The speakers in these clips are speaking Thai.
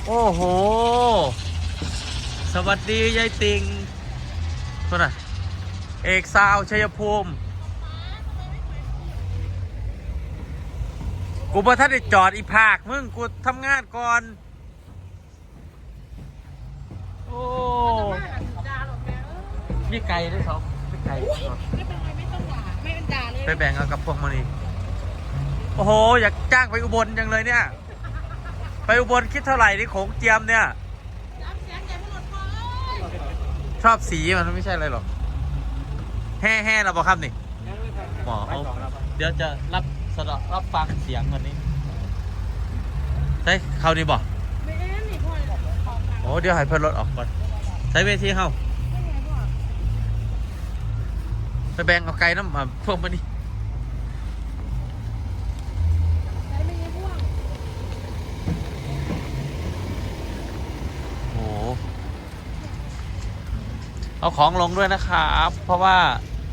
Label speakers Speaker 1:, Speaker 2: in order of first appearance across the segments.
Speaker 1: โอ้โหสวัสดียายติงคนน่ะเอกซาวชัยภูมิกูบ่ทันได้จอดอีภาคมึงกูทำงานก่อนโอ้มีไก่ด้วยครับมีไก่ไม่เป็นไรไม่ต้องด่าไม่เป็นด่าเลยไปแบ่งเอากับพวกมันนี่โอ้โหอยากจ้างไปอุบลจังเลยเนี่ยไปอุบลคิดเท่าไหร่นี่โขงเจียมเนี่ยชอบสีมันไม่ใช่อะไรหรอกแห่เราบอกครับนี่หมอเอาเดี๋ยวจะรับฟังเสียงวันนี้ใช่เขาดีบอกโอ้เดี๋ยวให้เพื่อนรถออกก่อนใช้เวทีเขาไปแบ่งเอาไก่น้ำมาพวกมันนี่โอ้เอาของลงด้วยนะครับเพราะว่า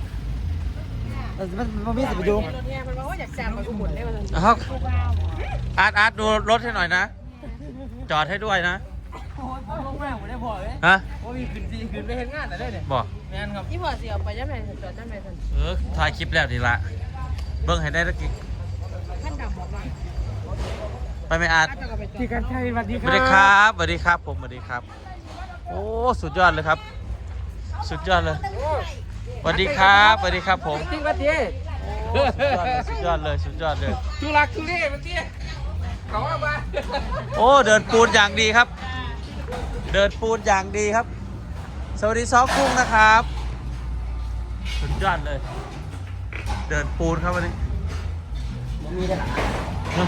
Speaker 2: มันมีสิบดู
Speaker 3: มันบอกว่าอยากจ้างไปอุบลได้มาเลย
Speaker 1: อาร์ตดูรถให้หน่อยนะจอดให้ด้วยนะ
Speaker 2: โอ้ยลงแม่ผมได้พอเลย
Speaker 1: ฮะ
Speaker 2: ว่ามีขึ้นไปเห็นงานแต่ได้เนี่ย
Speaker 1: บอก
Speaker 2: แม่นครับ
Speaker 3: ที่พอเสียไปยังไงจอดยังไงท่าน
Speaker 1: ถ่ายคลิปแล้วดีละเบิ้งให้ได้ตะกี้
Speaker 3: ท่านดำบอกว่า
Speaker 1: ไปไม่อาร์ต
Speaker 2: ที่กันชัยสวัสดี
Speaker 1: สวัสดีครับสวัสดีครับผมสวัสดีครับโอ้สุดยอดเลยครับสุดยอดเลยสวัสดีครับสวัสดีครับผม
Speaker 2: ที่วัดดี
Speaker 1: สุดยอดเลยสุดยอดเลย
Speaker 2: ทุลักทุเลเมื่อกี้เขาเอามา
Speaker 1: โอ้เดินปูนอย่างดีครับเดินปูนอย่างดีครับสวัสดีซอกุ้งนะครับสุดยอดเลยเดินปูนครับวันนี้
Speaker 2: มีได้หรอ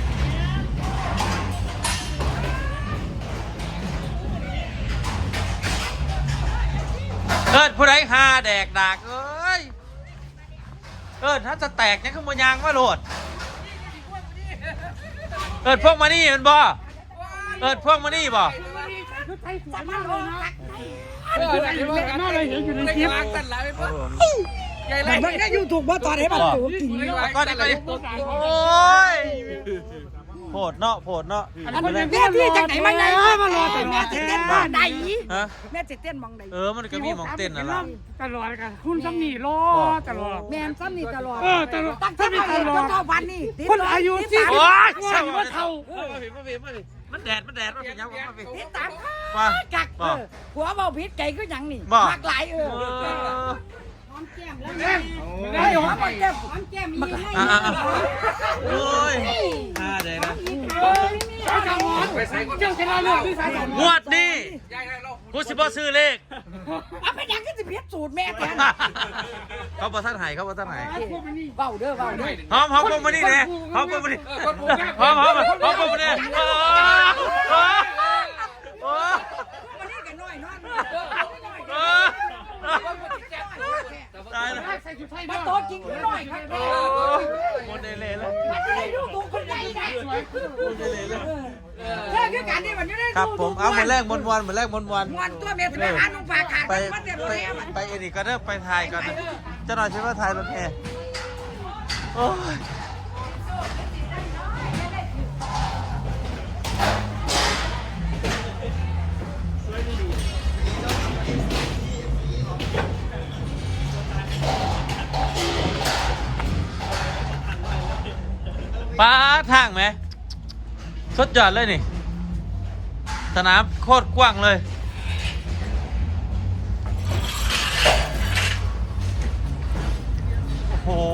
Speaker 1: เอิ้นผู้ใดหาแดกดากเอ้ยเอิ้นถ้าจะแตกเนี่ยขึ้นบนยางว่าโหลดเอิ้นพวกมานี่มันบ่เอิ้นพวกมานี่บ่
Speaker 2: น่าเลยเห็นอยู่ในคลิปใหญ่เลยมันก็อยู่ถูกว่าตอนไหนมันถูกจริง
Speaker 1: ก็ได้โอ้ยโผดเนาะโผดเนาะ
Speaker 3: แม่ที่จากไหนมาไงมารอแต่แม่จะเต้นมองใดแม่จะเต้นมองใด
Speaker 1: มันก็มีมองเต้นนั่นแหละ
Speaker 2: ตลอดกันคุณซ้ำนี่รอตลอด
Speaker 3: แม่ซ้ำนี่ตลอด
Speaker 2: ตลอด
Speaker 3: ตั้งแต่ตลอดเท่าวันนี่
Speaker 2: คนอายุที่
Speaker 1: โอ้ย
Speaker 2: ว่าเท่า
Speaker 1: มันแดดมันเป็นยังมาเป็น
Speaker 3: ติดตามกักหัวเบาพิษไก่ก็ยังนี่มักหลายหอมแก้มแล้วไอ้หอมแก้มหอมแก้มมีให้
Speaker 1: โอ้ยแดงนะงวดนี้กูสิบ่ซื้อเลข
Speaker 3: เอาไปยังก็จะเพี้ยนสูตรแม่แทน
Speaker 1: เขาบ่ท่านหายเขาบ่ท่านหาย
Speaker 3: เบาเด้อ
Speaker 1: หอมมานี่เนี่ยหอมมานี่หอมมานี่โอ้
Speaker 3: มานี่กันหน่อยนอน
Speaker 1: ตายแล้ว
Speaker 3: มาโต๊ะจริงหน่อยครับ
Speaker 1: หมดเลยแล้ว
Speaker 3: มันจะได้ดูถูกคนใดได้แค่คือการที่มันจะได้
Speaker 1: ครับผมเอามาแรกมวนมาแรกมวน
Speaker 3: ตัวเมียจะไปหานุ่งฝาขาด
Speaker 1: ไปเอ็นี่ก็เด้อไปถ่ายกันจะหน่อยใช่ไหมถ่ายรถแห่โอ้ยป้าทางไหมสุดยอดเลยนี่สนามโคตรกว้างเลยโอ้โห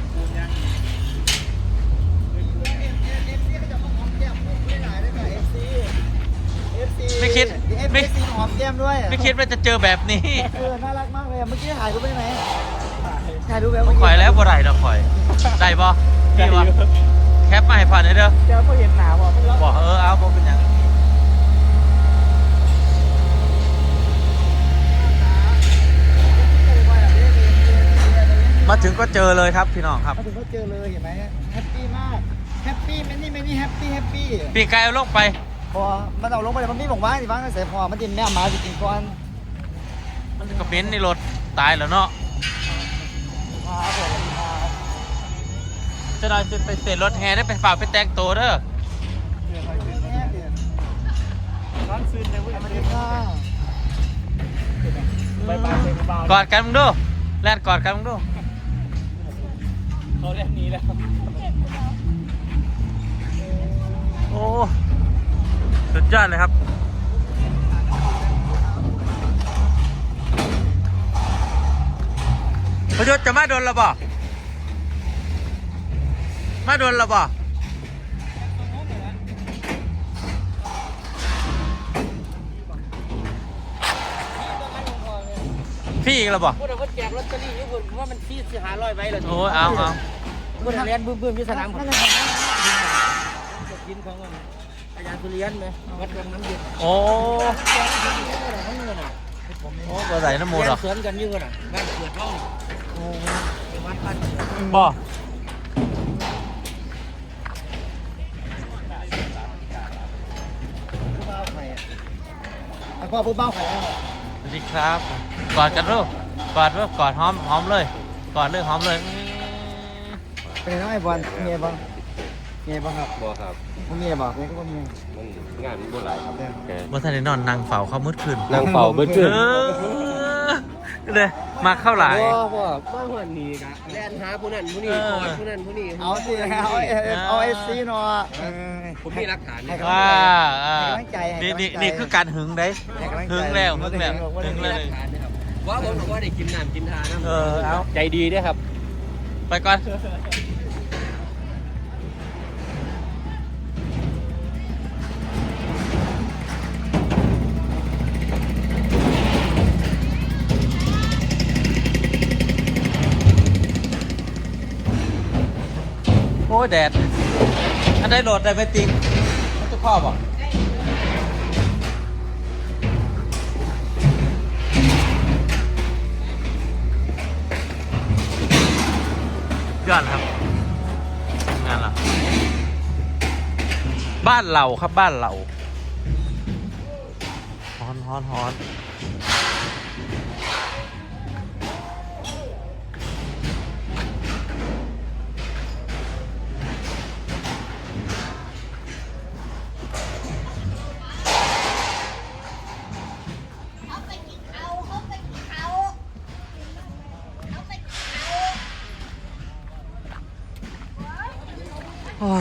Speaker 1: ไม่คิด
Speaker 2: หอมแก้มด้วย
Speaker 1: ไม่คิดว่าจะเจอแบบนี้
Speaker 2: น่ารักมากเลยเมื่อกี้ถ่ายรูปได้ไหมถ่ายรูปแบบ
Speaker 1: ข่อยแล้วบ่ได้ดอกข่อยได้บ่ดีบ่แคปมาให้ผ่านเด้อ
Speaker 2: เดี๋ยวพอเห็นหนาบอก
Speaker 1: เอาบอกเป็นยังมาถึงก็เจอเลยครับพี่น้องครับ
Speaker 2: มาถึงก็เจอเลยเห็นไหมแฮปปี้มากแฮปปี้ไม่นี่แฮปปี้
Speaker 1: ปีกไก่เอาลงไป
Speaker 2: พอมันเอาลงไปมันไม่บอกว่าสิบ้างใส่พอมันดินแม่มาจริงๆก่อน
Speaker 1: มันก็เป็นในรถตายแล้วเนาะจะนอนจะไปเตะรถแห่ได้ไปฝ่าไปแต่งตัวเด้อกอดกันมึงดูแลนกอดกันมึงดู
Speaker 2: เขาเรียกนี้แล้ว
Speaker 1: โอ้สุดยอดเลยครับพยศจะมาโดนเราบ่มาโดนเราบ่พี่อีกแล้วบ่
Speaker 2: พูดถึงว่าแจกลอตเตอรี่ญี่ปุ่นว่ามันที่500ใบเลย
Speaker 1: โอ้ยเอา
Speaker 2: พูดถึงเรียนบื้มๆที่สนามผมกินของอาจารย์สุริยันไหมวัดวังน้ำเย็น
Speaker 1: โอ้โอ้บ่ใส่น้ำมูลหรอ
Speaker 2: สวนกันยืนอ่ะบ้านเกิดเล่าโอ้วัดบ้านเกิด
Speaker 1: บ่
Speaker 2: พ่อผู้เบ้าไข่
Speaker 1: สวัสดีครับกอดกันลูกกอดลูกกอดหอมเลยกอดเลยหอมเลย
Speaker 2: เป็นน้อยบอลเมียบ้างเมียบ้างครับ
Speaker 4: บ่ครับ
Speaker 2: เมียบอกเมียก็เมีย
Speaker 4: มันงานมันบ่หลายครับแก
Speaker 1: บ่ทันได้นอนนั่งเฝ้าเขามืดขึ้น
Speaker 4: นั่งเฝ้าเบิดขึ้น
Speaker 1: เลยมาเข้าหลาย
Speaker 4: บ่มาหัวนี้กะแล่นหาผู้นั้นผู้นี้กอดผู้นั้นผู้นี้
Speaker 2: เอาสิเอาเอฟซีเนาะ
Speaker 4: ผมมีหลักฐาน
Speaker 1: ว่า
Speaker 2: ให้กำลังใจให้
Speaker 1: นี่
Speaker 2: กำลังใจ
Speaker 1: นี่คือการหึงเด้
Speaker 2: ให้กำลังใจ
Speaker 1: หึงแล้วหึงแล้วหึง
Speaker 4: มี
Speaker 1: แล้ว
Speaker 4: หลักฐานนะครับว่าผมบอกว่าได้กินน้ำกินทานะ
Speaker 1: เอา
Speaker 4: ใจดีด้วยครับ
Speaker 1: ไปก่อนโอ้ยแดดอันได้โหลดได้ไปติงมันจะครอบอ่ะยอดครับทำงานเราบ้านเราครับบ้านเราฮอน
Speaker 3: เขาไปกินเขาเขาไปกินเขาเขาไปกินเขา
Speaker 1: โอ้ย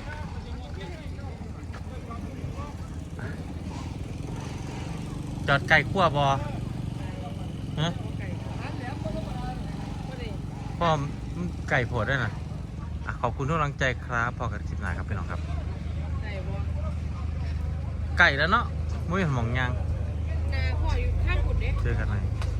Speaker 1: จอดไก่ขั้วบอฮะพ่อมนไก่โผดด้วยนะอ่ะขอบคุณทุกกำลังใจครับพอกันคลิปหน้าครับพี่น้องครับ ไก่แล้วเนาะมุ้ยหมองยาง
Speaker 3: นาพ่ออยู่ข้างกุดเด้
Speaker 1: เจอกันใหม่ส